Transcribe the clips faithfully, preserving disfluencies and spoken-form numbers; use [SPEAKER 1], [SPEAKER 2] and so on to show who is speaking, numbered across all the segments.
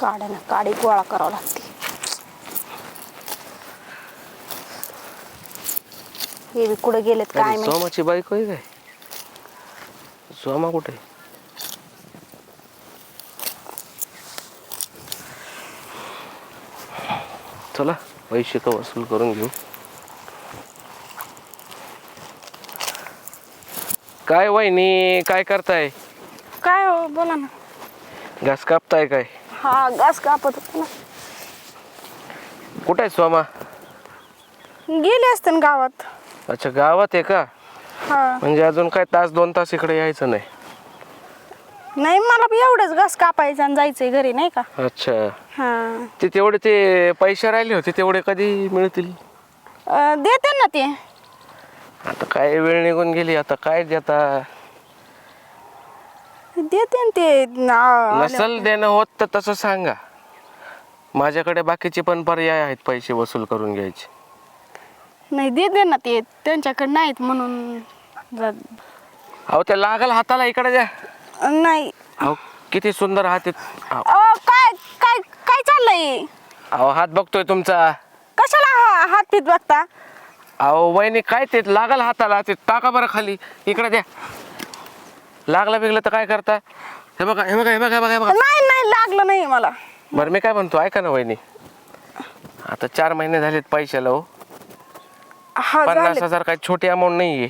[SPEAKER 1] काढा ना काडी गोळा करावं लागते. हे बी कुठे गेलेत काय माहिती.
[SPEAKER 2] सोमाची बायको आहे काय? सोमा कुठे? चला पैसे का वसूल करून घेऊ. काय वहिनी काय करताय?
[SPEAKER 1] काय हो बोला ना.
[SPEAKER 2] घास कापताय काय?
[SPEAKER 1] हा घास कापत होते ना.
[SPEAKER 2] कुठे आहे सोमा?
[SPEAKER 1] गेले असते ना गावात.
[SPEAKER 2] अच्छा गावात आहे का?
[SPEAKER 1] हा
[SPEAKER 2] म्हणजे अजून काय तास दोन तास इकडे यायचं नाही?
[SPEAKER 1] नाही मला बी एवढंच घास कापायचं आणि जायचंय घरी नाही का.
[SPEAKER 2] अच्छा
[SPEAKER 1] हा
[SPEAKER 2] ते तेवढे ते पैसे राहिले होते तेवढे कधी मिळतील?
[SPEAKER 1] अं, देते ना ते.
[SPEAKER 2] आता काय वेळ निघून गेली आता काय देता?
[SPEAKER 1] देते ना ते ना-
[SPEAKER 2] नसल देणं होत तर तसं सांगा. माझ्याकडे बाकीचे पण पर्याय आहेत पैसे वसूल करून घ्यायचे.
[SPEAKER 1] नाही देते ना ते त्यांच्याकडे नाहीत म्हणून जा-
[SPEAKER 2] अहो त्या लागल हाताला इकडे द्या.
[SPEAKER 1] नाही.
[SPEAKER 2] अहो किती सुंदर हात आहेत. अहो,
[SPEAKER 1] अं, काय काय काय चाललंय?
[SPEAKER 2] अहो हात बघतोय तुमचा.
[SPEAKER 1] कशाला हा- हात पीत बघता?
[SPEAKER 2] अहो वहिनी काय ते लागल हाताला ते टाका बरं खाली इकडे द्या. लागला बिगलं तर काय करता? हे बघा हे बघा हे बघा हे बघा हे बघा.
[SPEAKER 1] नाही नाही लागलं नाही मला.
[SPEAKER 2] बरं मी काय म्हणतो ऐका ना वहिनी. आता चार महिने झालेत पैशाला हो.
[SPEAKER 1] हा
[SPEAKER 2] पन्नास
[SPEAKER 1] झाले.
[SPEAKER 2] हजार काय छोटी अमाऊंट नाहीये.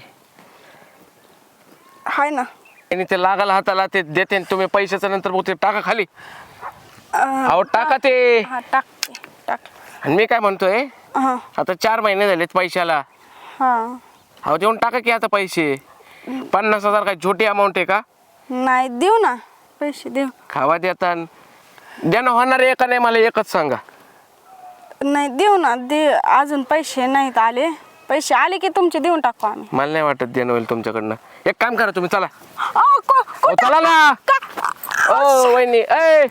[SPEAKER 1] हाय ना.
[SPEAKER 2] आणि ते लागल हाताला ते देते आणि तुम्ही पैशाचं नंतर बघ ते टाका खाली.
[SPEAKER 1] अं,
[SPEAKER 2] अहो टाका ते.
[SPEAKER 1] हा टाक टाक.
[SPEAKER 2] आणि मी काय म्हणतोय
[SPEAKER 1] हा
[SPEAKER 2] आता चार महिने झालेत पैशाला.
[SPEAKER 1] हा
[SPEAKER 2] अहो देऊन टाका की आता पैसे. पन्नास हजार काय छोटी अमाऊंट आहे का?
[SPEAKER 1] नाही देऊ ना पैसे देऊ.
[SPEAKER 2] खावा देता देणं होणार आहे का नाही मला एकच सांगा.
[SPEAKER 1] नाही देऊ ना दे. अजून पैसे नाहीत आले. पैसे आले की तुमचे देऊन टाकू आम्ही.
[SPEAKER 2] मला नाही वाटत देणं होईल तुमच्याकडनं. एक काम करा तुम्ही चला.
[SPEAKER 1] अहो, को-
[SPEAKER 2] अहो,
[SPEAKER 1] कुठं?
[SPEAKER 2] चला ना.
[SPEAKER 1] का-
[SPEAKER 2] ओ वहिनी ए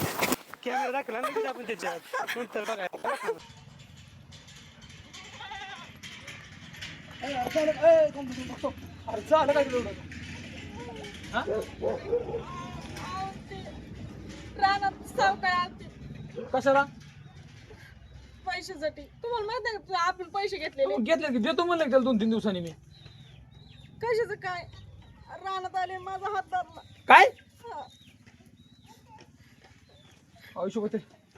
[SPEAKER 3] रानात सावकार आलते
[SPEAKER 4] कशाला
[SPEAKER 3] पैशासाठी. तुम्हाला माहित आहे का आपण पैसे घेतलेले?
[SPEAKER 4] घेतले की देतो म्हणलं की त्याला दोन तीन दिवसांनी मी.
[SPEAKER 3] कशाचं काय? रानात आले माझा हात धरला.
[SPEAKER 4] काय
[SPEAKER 3] हा.
[SPEAKER 4] आयुष्य होते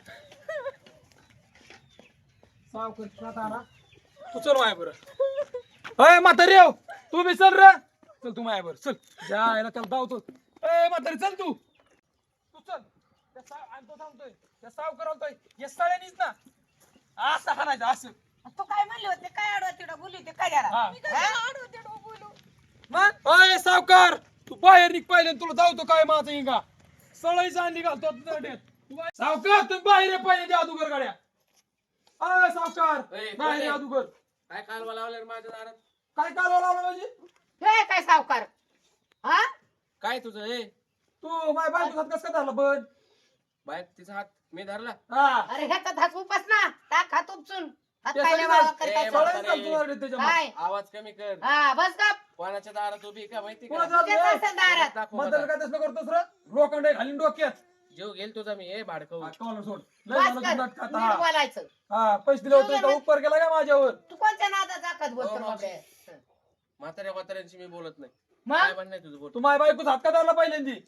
[SPEAKER 4] तू चल माया बरं. अय म्हातारी येऊ तू बी चल रे. चल तू माया बरं चल. जायला त्याला धावतो. ए म्हातारी चल तू तू चल. त्या साव आणि तो सांगतोय त्या साव करवतोय या सळ्यानीच ना असं हाणायचं असं.
[SPEAKER 5] तू काय म्हणले होते काय आडवा तिडवा बोलली होती काय झाला?
[SPEAKER 4] हा.
[SPEAKER 3] मी कशाला आडवं तिडवं बोलू?
[SPEAKER 4] मग अय सावकार तू बाहेर निघ पाहिले तुला धावतो काय माझं इंगा सळाईचा अंडी घालतो नरड्यात. तू बाहेर- सावकार तुम्ही बाहेर ये पाहिले त्या अदुगर गाड्या. अय सावकार बाहेर ये अदुगर.
[SPEAKER 2] काय कालवा लावलं माझ्या दारात?
[SPEAKER 4] काय कालवा लावला म्हणजे
[SPEAKER 5] हे काय सावकार? हा?
[SPEAKER 2] काय तुझं हे
[SPEAKER 4] तू माझ्या बायको हात कसं काय धरला बन.
[SPEAKER 2] बाईक तिचा हात मी धरला.
[SPEAKER 4] हा
[SPEAKER 5] अरे ह्याचा हात उपास ना टाक हात उपसून हात
[SPEAKER 4] ते
[SPEAKER 5] पायल्या
[SPEAKER 4] सगळं
[SPEAKER 5] वाळवा
[SPEAKER 2] ए,
[SPEAKER 5] करताय.
[SPEAKER 2] बाबा.
[SPEAKER 4] सळाईच घालतो नरड्यात त्याच्या मग.
[SPEAKER 5] काय?
[SPEAKER 2] आवाज कमी कर.
[SPEAKER 5] हा बस गप.
[SPEAKER 2] कोणाच्या दारात उभी का माहिती का?
[SPEAKER 4] कोणाच्या
[SPEAKER 5] तुझ्याच
[SPEAKER 4] हात
[SPEAKER 5] असेल दारात.
[SPEAKER 2] दाखव
[SPEAKER 4] मधलं
[SPEAKER 2] मला.
[SPEAKER 4] काय तसलं करतोस रे लोखंड घालीन डोक्यात.
[SPEAKER 2] जीव घेईल तुझा मी ए भाडकव.
[SPEAKER 4] हा, कॉलर सोड लय
[SPEAKER 5] बस
[SPEAKER 4] झालं
[SPEAKER 5] कर.
[SPEAKER 4] तू नाटकात.
[SPEAKER 5] नीट
[SPEAKER 4] हा
[SPEAKER 5] बोलायचं.
[SPEAKER 4] हा पैसे दिले होते का उपकार केला का माझ्यावर.
[SPEAKER 5] तू कोणत्या नादात जाकत बोलतो
[SPEAKER 2] हो, मावशी.
[SPEAKER 5] बाबड्या?
[SPEAKER 2] म्हाताऱ्या म्हाताऱ्यांशी मी बोलत नाही. काय
[SPEAKER 5] मग
[SPEAKER 2] म्हणणं आहे तुझं बोल.
[SPEAKER 4] तू माझ्या बायकोच हात का धरला पहिल्यांदी.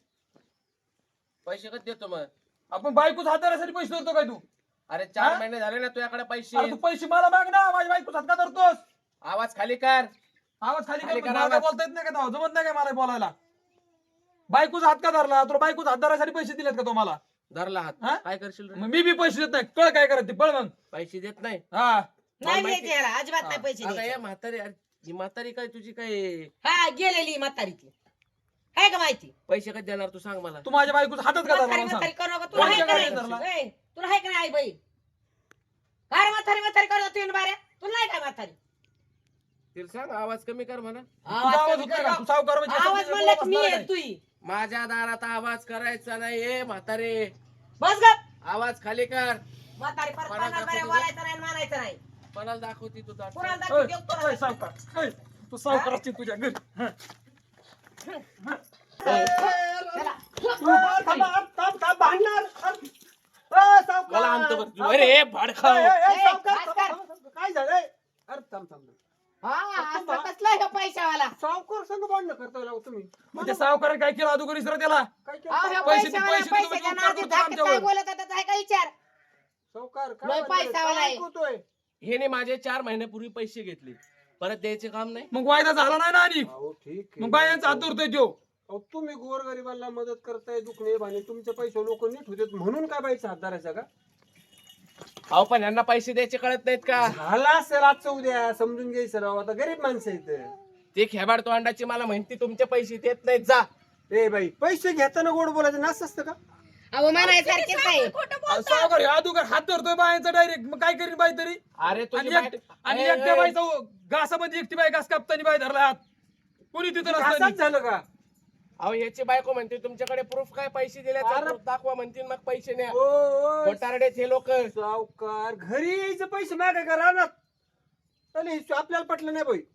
[SPEAKER 2] पैसे कधी देतो मग?
[SPEAKER 4] आपण बायकोच हात धरायसाठी पैसे धरतो काय तू.
[SPEAKER 2] अरे चार
[SPEAKER 4] हा?
[SPEAKER 2] महिने झाले ना तुझ्याकडे पैसे.
[SPEAKER 4] अरे तू पैसे मला माग ना माझ्या बायकोच हात का धरतोस.
[SPEAKER 2] आवाज खाली कर.
[SPEAKER 4] आवाज खाली
[SPEAKER 2] खाली
[SPEAKER 4] कर.
[SPEAKER 2] करा
[SPEAKER 4] मला काय
[SPEAKER 2] आवाज.
[SPEAKER 4] बोलता येत नाही का तेव्हा? जमत नाही काय मला बोलायला. बायकोच हात का धरला तुला बायकोच हात धरायसाठी पैसे दिलेत का तुम्हाला.
[SPEAKER 2] धरला हात.
[SPEAKER 4] हा?
[SPEAKER 2] काय करशील रे?
[SPEAKER 4] मग मी बी पैसे देत नाही कळ काय करत ते पळ मग.
[SPEAKER 2] पैसे देत नाही.
[SPEAKER 4] हा
[SPEAKER 5] नाही
[SPEAKER 2] माहिती-
[SPEAKER 5] द्यायचे याला अजिबात नाही पैसे
[SPEAKER 2] अगं
[SPEAKER 5] द्यायचे.
[SPEAKER 2] या म्हातारी अरे, ही म्हातारी काय तुझी काय
[SPEAKER 5] हा गेलेली म्हातारी ती आहे का माहिती?
[SPEAKER 2] पैसे कधी देणार तू सांग मला.
[SPEAKER 4] तू माझ्या बायकोच हातच का धरला
[SPEAKER 5] म्हातारी
[SPEAKER 4] मला सांग.
[SPEAKER 5] म्हातारी करू नका. तुला आहे का
[SPEAKER 4] कोणत्या
[SPEAKER 5] नाही?
[SPEAKER 4] गाडीत
[SPEAKER 5] ए, तुला आहे का नाही आई बाई? अरे म्हातारी म्हातारी करत तुम्ही बाऱ्या तुला नाही काय म्हातारी?
[SPEAKER 2] तिला सांग आवाज कमी कर म्हणा.
[SPEAKER 4] तुझा आवाज होत नाही का तू सावकार म्हणजे असं
[SPEAKER 5] आवाज
[SPEAKER 4] तुझ्या
[SPEAKER 5] म्हणलं
[SPEAKER 4] बोलायला
[SPEAKER 5] मी
[SPEAKER 4] बसणार
[SPEAKER 5] आहे
[SPEAKER 4] काय?
[SPEAKER 5] तुई.
[SPEAKER 2] माझ्या दारात आवाज करायचा नाही ए म्हातारे.
[SPEAKER 5] बस गप.
[SPEAKER 2] आवाज खाली कर.
[SPEAKER 5] म्हातारी परत
[SPEAKER 2] कोणाला
[SPEAKER 5] पन्नास बाऱ्या
[SPEAKER 2] दाखवतो?
[SPEAKER 5] बोलायचं नाही मानायचं नाही.
[SPEAKER 2] कोणाला दाखवती तू दाट?
[SPEAKER 5] कुणाला
[SPEAKER 4] ओय,
[SPEAKER 5] दाखवू देऊ, कुणाला
[SPEAKER 4] ओय,
[SPEAKER 5] दाखवू.
[SPEAKER 4] सावकार ओय, तू सावकार असते तुझ्या घरी. हा.
[SPEAKER 5] चला.
[SPEAKER 4] थांबा, थांब, थांब, थांब, भांडणार.
[SPEAKER 6] अ, सावकार.
[SPEAKER 2] मला आणतो बरं तू. अरे भाड खाऊ.
[SPEAKER 6] ए, ए, ए,
[SPEAKER 5] ए,
[SPEAKER 6] सावकार,
[SPEAKER 5] भास्कर.
[SPEAKER 6] थांबा, थांबा, थांबा. काय झालंय अरे थांब थांब थांब.
[SPEAKER 5] हा असं कसला ह्यो पैशावाला
[SPEAKER 6] सावकार संग भांडणं करता लाव तुम्ही
[SPEAKER 4] मग त्या सावकाराने काय केलं अगोदर इसरा त्याला
[SPEAKER 6] काय
[SPEAKER 5] अहो, ह्यो
[SPEAKER 6] केलं
[SPEAKER 4] पैसे-
[SPEAKER 5] पैशावाला
[SPEAKER 4] पैसे तुम्ही
[SPEAKER 5] पैशाच्या
[SPEAKER 4] उपकार
[SPEAKER 5] नादी
[SPEAKER 4] करता
[SPEAKER 5] धाकट काय
[SPEAKER 4] आमच्यावर.
[SPEAKER 5] बोलत होता काय का विचार
[SPEAKER 6] सावकार
[SPEAKER 5] लय
[SPEAKER 6] काय
[SPEAKER 5] पैशावाला
[SPEAKER 6] काय
[SPEAKER 5] आहे.
[SPEAKER 6] ऐकतोय?
[SPEAKER 7] हे माझे चार महिन्यापूर्वी पैसे घेतले परत द्यायचे काम नाही.
[SPEAKER 4] मग वायदा झाला नाही ना आणि
[SPEAKER 6] अहो ठीक आहे.
[SPEAKER 4] मग बायांचा हात धरतोय तो.
[SPEAKER 6] अहो, तुम्ही गोरगरिबांना मदत करताय दुखणे भाणे तुमचे पैसे लोक नीट होते म्हणून काय बाईचा हात धरायचा का
[SPEAKER 7] अहो पण यांना पैसे द्यायचे कळत नाहीत का?
[SPEAKER 6] झाला असेल आजचं उद्या समजून घ्यायचं राव आता गरीब माणसं आहेत
[SPEAKER 7] ते खेबाड तोंडाची मला माहिती तुमचे पैसे देत नाहीत जा.
[SPEAKER 6] ए बाई पैसे घेताना गोड बोलायचं नाच असतं का
[SPEAKER 5] अहो म्हणायसारखेच नाही
[SPEAKER 4] अहो, सावकार ह्यो अगोदर हात धरतोय बायांचा डायरेक्ट. मग काय करीन बाई तरी?
[SPEAKER 7] अरे तुझी
[SPEAKER 4] आणि
[SPEAKER 7] बायको-
[SPEAKER 4] एक- आणि
[SPEAKER 7] ए,
[SPEAKER 4] एकट्या
[SPEAKER 7] ए,
[SPEAKER 4] बाईचा घासामध्ये एकटी बाई घास कापताना बाई धरला हात. कोणी तिथं
[SPEAKER 6] असंच
[SPEAKER 4] नसताना.
[SPEAKER 6] झालं का
[SPEAKER 7] अहो याची बायको म्हणते तुमच्याकडे प्रूफ काय पैसे दिल्याचा
[SPEAKER 6] अरे.
[SPEAKER 7] proof दाखवा म्हणतील मग पैसे न्या.
[SPEAKER 6] ओ, ओ,
[SPEAKER 7] खोटारडेत हे लोक.
[SPEAKER 6] सावकार घरी यायचं पैसे मागे का राहणार चालेल, हे आपल्याला पटलं नाही बाई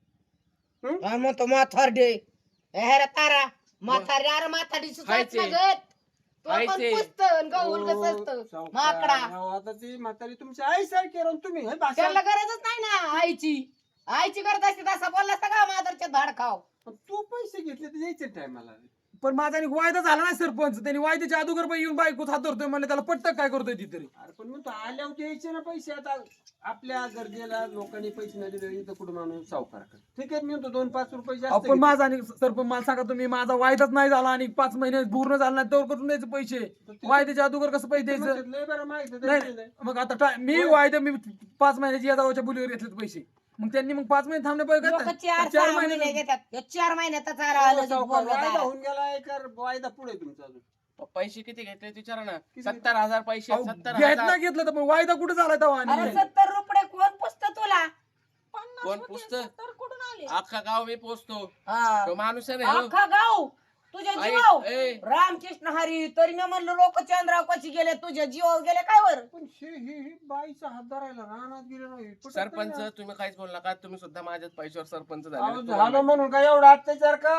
[SPEAKER 5] आणि म्हणतो म्हातारडे हे रे तारा म्हातारी अरे म्हातारी
[SPEAKER 7] खायचे.
[SPEAKER 5] सुचत तो पण
[SPEAKER 7] खायचे.
[SPEAKER 5] पुसत गहून
[SPEAKER 6] ओ,
[SPEAKER 5] कसं
[SPEAKER 6] सावकार,
[SPEAKER 5] माकडा
[SPEAKER 6] अहो, आता ती म्हातारी तुमची आई सारखी राहून तुम्ही हे भाषा
[SPEAKER 5] त्याला गरजच नाही ना आईची आईची गरज असते तसा बोलला असता का मादरच्या धाड खाव
[SPEAKER 6] तू पैसे घेतले तर यायचे टायमाला
[SPEAKER 4] पण माझा आणि वायदा झाला नाही सरपंच. त्यांनी वायद्याच्या अगोदर बाई येऊन बायकोच हात धरतोय म्हणले त्याला पटतं काय करतोय ती तरी.
[SPEAKER 6] अरे पण मग तो आल्यावर द्यायचे ना पैसे आता आपल्या गरजेला लोकांनी पैसे नाही दिले इथं कुठं माणूस सावकार कर ठीक आहे मी म्हणतो दोन पाच रुपये जास्त
[SPEAKER 4] आपण
[SPEAKER 6] घेतले.
[SPEAKER 4] माझा आणि सरपंच मला सांगा तुम्ही माझा वायदाच नाही झाला आणि पाच महिने पूर्ण झाला नाही तर करून द्यायचे पैसे. वायद्याच्या अगोदर कसं पैसे द्यायचं?
[SPEAKER 6] म्हणतात, लय बरं माहिती आहे,
[SPEAKER 4] नाही
[SPEAKER 6] द्यायचे नाही.
[SPEAKER 4] मग आता टा- मी वायदा मी पाच महिन्याची या जावाच्या बोलीवर घेतलेत पैसे. मग त्यांनी मग पाच महिने थांबले पाहिजे
[SPEAKER 5] लोक
[SPEAKER 4] का?
[SPEAKER 5] चार
[SPEAKER 4] चार
[SPEAKER 5] सहा महिने
[SPEAKER 4] महिने
[SPEAKER 5] घेतात ह्यो चार महिन्यातच आला
[SPEAKER 6] हो,
[SPEAKER 5] आलं
[SPEAKER 6] सावकार,
[SPEAKER 5] बोलवत
[SPEAKER 6] वायदा
[SPEAKER 5] आला.
[SPEAKER 6] होऊन गेला कर वायदा पुढे तुमचा अजून
[SPEAKER 7] पैसे किती घेतले विचारा ना.
[SPEAKER 6] किती?
[SPEAKER 7] सत्तर हजार पैसे
[SPEAKER 4] अहो,
[SPEAKER 7] सत्तर
[SPEAKER 4] घेतलं
[SPEAKER 7] हजार.
[SPEAKER 4] घेतलं तर पण वायदा कुठे झाला तेव्हा
[SPEAKER 5] अरे
[SPEAKER 4] आणि?
[SPEAKER 5] सत्तर रुपये कोण पुसत तुला
[SPEAKER 3] पन्नास
[SPEAKER 7] कोण
[SPEAKER 3] होते,
[SPEAKER 7] पुसतं?
[SPEAKER 3] सत्तर कुठून आले
[SPEAKER 7] अख्खा गाव मी पोचतो.
[SPEAKER 5] हा.
[SPEAKER 7] तो माणूस आहे ना ह्यो.
[SPEAKER 5] अख्खा गाव तुझ्या
[SPEAKER 7] आई,
[SPEAKER 5] जीवाव
[SPEAKER 7] ए.
[SPEAKER 5] रामकृष्ण हरी तरी मी म्हणलो लोक चंद्राव कशी गेले तुझ्या जीवाव गेले काय वर
[SPEAKER 6] पण हे हे हे बाईचा हात धरायला रानात गेले नाही पटत
[SPEAKER 7] सरपंच
[SPEAKER 6] नाही ना.
[SPEAKER 7] तुम्ही काहीच बोल नका. तुम्ही सुद्धा माझ्याच पैशावर सरपंच
[SPEAKER 6] अहो,
[SPEAKER 7] झाले.
[SPEAKER 6] झालं म्हणून काय एवढा अत्याचार का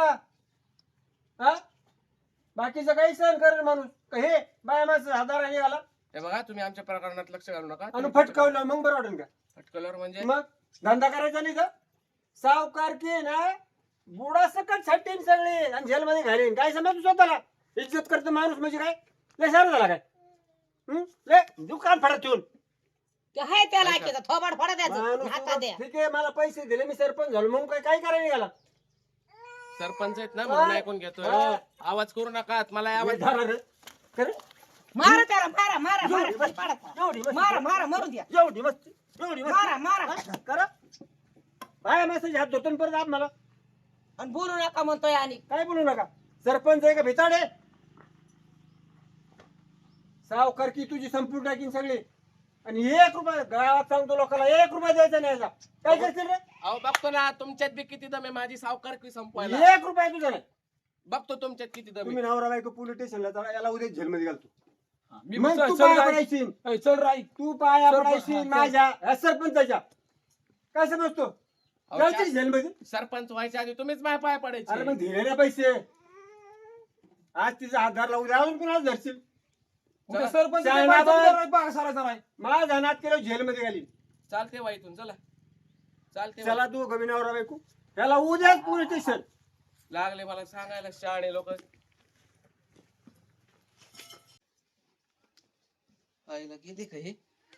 [SPEAKER 6] हा बाकीचं काही सहन करेल माणूस का हे बाया माणसं हजार आणि आला
[SPEAKER 7] हे बघा तुम्ही आमच्या प्रकरणात लक्ष घालू नका.
[SPEAKER 6] आणि फटकावलं मग बरं वाटेल का
[SPEAKER 7] फटकल्यावर म्हणजे
[SPEAKER 6] मग धंदा करायचा नाही का सावकार की ना बुडा सकट छाटीन सगळे आणि जेलमध्ये घालीन काय समज तू स्वतःला इज्जत करतो माणूस म्हणजे काय लय सारं झाला काय हं? लय दुकान फडत ठेवून
[SPEAKER 5] ते हाय त्याला ऐकायचं थोबाड फोडा द्यायचं
[SPEAKER 6] माणूस
[SPEAKER 5] हातात द्या
[SPEAKER 6] ठीक आहे मला पैसे दिले मी सरपंच झालो मग काय काय करायला निघाला
[SPEAKER 7] सरपंच आहेत ना म्हणून ऐकून घेतोय.
[SPEAKER 6] हा.
[SPEAKER 7] आवाज करू नका. मला
[SPEAKER 6] हे
[SPEAKER 7] आवाज
[SPEAKER 6] धरा रे. खरं?
[SPEAKER 5] मारा त्याला मारा मारा मारा
[SPEAKER 6] एवढी मस्ती,
[SPEAKER 5] पाडा.
[SPEAKER 6] एवढी मस्ती.
[SPEAKER 5] मारा मारा मरून द्या
[SPEAKER 6] एवढी मस्ती एवढी मस्ती.
[SPEAKER 5] मारा मारा
[SPEAKER 6] हा? करा बाया माणसाचे हात धरतो परत आप मला
[SPEAKER 5] आणि बोलू नका म्हणतोय आणि
[SPEAKER 6] काय बोलू नका सरपंच आहे का भिताडे सावकार की तुझी संपूर्ण टाकीन सगळी आणि एक रुपया गावात सांगतो लोकांना एक रुपया द्यायचा नाही याचा. काय करशील रे
[SPEAKER 7] अहो बघतो ना तुमच्यात बी किती दम आहे माझी सावकारकी संपवायला.
[SPEAKER 6] एक रुपया तुझा नाही
[SPEAKER 7] बघतो तुमच्यात किती दम
[SPEAKER 6] तुम्ही
[SPEAKER 7] आहे.
[SPEAKER 6] नवरा बायको पोलीस स्टेशनला चला याला उद्या जेलमध्ये घालतो
[SPEAKER 4] मी
[SPEAKER 6] मग
[SPEAKER 4] चल-
[SPEAKER 6] तू
[SPEAKER 4] चल
[SPEAKER 6] पाया
[SPEAKER 4] राय.
[SPEAKER 6] पडायची
[SPEAKER 4] ए, चल राई.
[SPEAKER 6] तू पाया
[SPEAKER 4] सरपंच,
[SPEAKER 6] पडायची
[SPEAKER 4] हा,
[SPEAKER 6] माझ्या या सरपंचाच्या काय समजतो
[SPEAKER 7] अहो,
[SPEAKER 6] घालशील
[SPEAKER 7] चा-
[SPEAKER 6] जेलमध्ये
[SPEAKER 7] सरपंच व्हायच्या आधी तुम्हीच माझ्या पाय
[SPEAKER 6] अरे
[SPEAKER 7] पडायचे.
[SPEAKER 6] मग दिले ना पैसे आज तिचा हात धरला उद्या अजून कुणाला धरशील
[SPEAKER 4] उद्या सरपंच
[SPEAKER 6] शाळा
[SPEAKER 4] बाईचा
[SPEAKER 6] बाबा.
[SPEAKER 4] उद्या राई पाहा सारायचा नाही.
[SPEAKER 6] माझा नात केलं जेलमध्ये घालीन
[SPEAKER 7] चालते वा इथून चला. चालते
[SPEAKER 6] चला तू गवी नवरा बायको त्याला उद्याच पोलीस स्टेशन
[SPEAKER 7] लागले मला सांगायला शाळे लोक. आईला किती काही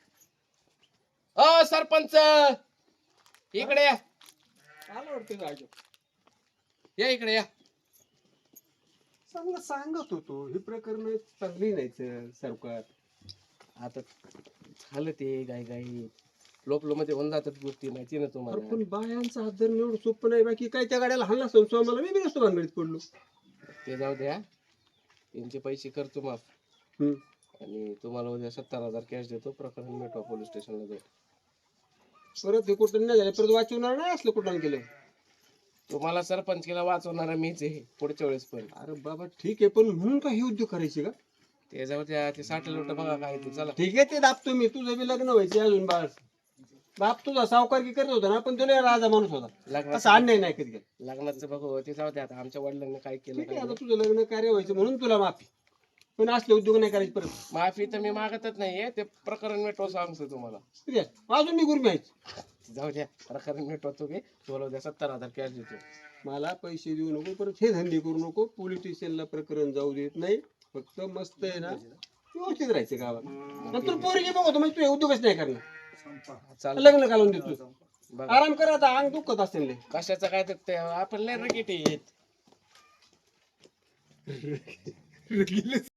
[SPEAKER 7] अ सरपंच इकडे या.
[SPEAKER 6] आला वाटतं जायचं
[SPEAKER 7] या इकडे या.
[SPEAKER 6] चांगलं सांगत होतो ही प्रकरण चांगली नाही सर सरकार
[SPEAKER 7] आता झालं ते गाई गाई लोपलो मध्ये होऊन जातात गोष्टी माहिती ना
[SPEAKER 6] अरे
[SPEAKER 7] तुम्हाला.
[SPEAKER 6] पण बायांचा हात धरणं एवढं सोपं नाही बाकी काय त्या गाड्याला हल्ला संस्था मला मी बी नसतो भानगडीत पडलो
[SPEAKER 7] ते जाऊ द्या. त्यांचे पैसे करतो माफ
[SPEAKER 6] हम्म.
[SPEAKER 7] आणि तुम्हाला उद्या सत्तर हजार कॅश देतो. प्रकरण मिटवा पोलीस स्टेशनला जाऊ.
[SPEAKER 6] परत हे कुठं नाही झालं परत वाचवणार नाही असलं कुठं केलं
[SPEAKER 7] तुम्हाला सरपंच केला वाचवणारा मीच आहे पुढच्या वेळेस पण.
[SPEAKER 6] अरे बाबा ठीक आहे पण म्हणून का हे उद्योग करायचे का
[SPEAKER 7] ते जाऊ द्या. ते साठ लोट बघा काय ते चला.
[SPEAKER 6] ठीक आहे ते दाबतो मी तुझं बी लग्न व्हायचे अजून बाळ बाप तुझा सावकारकी करत होता ना पण तुला राजा माणूस होता असं
[SPEAKER 7] लग्नाचं
[SPEAKER 6] अन्याय नाही कधी
[SPEAKER 7] लग्नाचं बघू ते जाऊ द्या. आता आमच्या वडिलांनी काय केलं
[SPEAKER 6] ठीक आहे
[SPEAKER 7] काय
[SPEAKER 6] आता तुझं लग्न कार्य व्हायचं म्हणून तुला माफी पण असले उद्योग नाही करायचे परत.
[SPEAKER 7] माफी तर मी मागतच नाहीये, ते प्रकरण मिटव सांगतो तुम्हाला.
[SPEAKER 6] ठीक आहे, अजून मी गुरमी आहे.
[SPEAKER 7] जाऊ द्या, प्रकरण मिटवतो मी. बोलव द्या, सत्तर हजार कॅश देतो.
[SPEAKER 6] मला पैसे देऊ नको, परत हे धंदे करू नको. पोलीस स्टेशनला प्रकरण जाऊ देत नाही. फक्त मस्त आहे ना, व्यवस्थित राहायचं गावात. नंतर पोरगी बघतो म्हणजे तू हे उद्योगच नाही करणार.
[SPEAKER 7] चाल
[SPEAKER 6] लग्न घालून देतो.
[SPEAKER 7] बघा.
[SPEAKER 6] आराम करा आता, अंग दुखत असेल लय.
[SPEAKER 7] कशाचं काय तर ते आपण लय रकेट आहेत.